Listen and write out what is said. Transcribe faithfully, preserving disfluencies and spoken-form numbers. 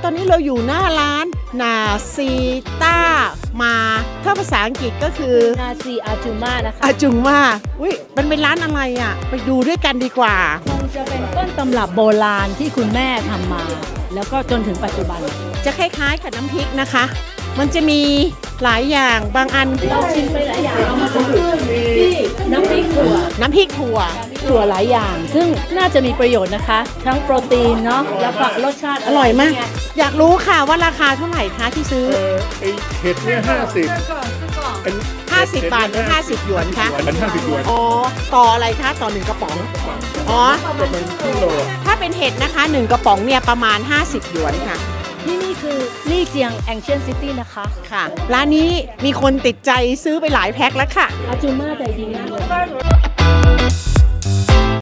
ตอนนี้เราอยู่หน้าร้านนาซีต้ามาถ้าภาษาอังกฤษก็คือนาซีอาจูมานะคะอาจุงมาอุ้ยมันเป็นร้านอะไรอ่ะ ไปดูด้วยกันดีกว่ามันจะเป็นต้นตำรับโบราณที่คุณแม่ทำมา แล้วก็จนถึงปัจจุบันจะคล้ายๆกับน้ำพริกนะคะ มันจะมีหลายอย่างบางอันเราชิมไปหลายอย่างเอามาเป็นที่น้ำพริกถั่วน้ำพริกถั่วถั่วหลายอย่าง ซึ่งน่าจะมีประโยชน์นะคะ ทั้งโปรตีนเนาะแล้วก็รสชาติอร่อยมาก อยากรู้ค่ะว่าราคาเท่าไหร่คะที่ซื้อเออไอเห็ดเนี่ยห้าสิบเป็นห้าสิบบาทหรือห้าสิบหยวนคะเป็นห้าสิบหยวนอ๋อ ต่ออะไรคะ ต่อหนึ่งกระป๋อง อ๋อประมาณครึ่งโลถ้าเป็นเห็ดนะคะหนึ่งกระป๋องเนี่ยประมาณห้าสิบหยวนค่ะที่นี่คือลี่เจียงแองเชียนซิตี้นะคะค่ะ ร้านนี้มีคนติดใจซื้อไปหลายแพ็คแล้วค่ะอาจูมาใจดีมากเลย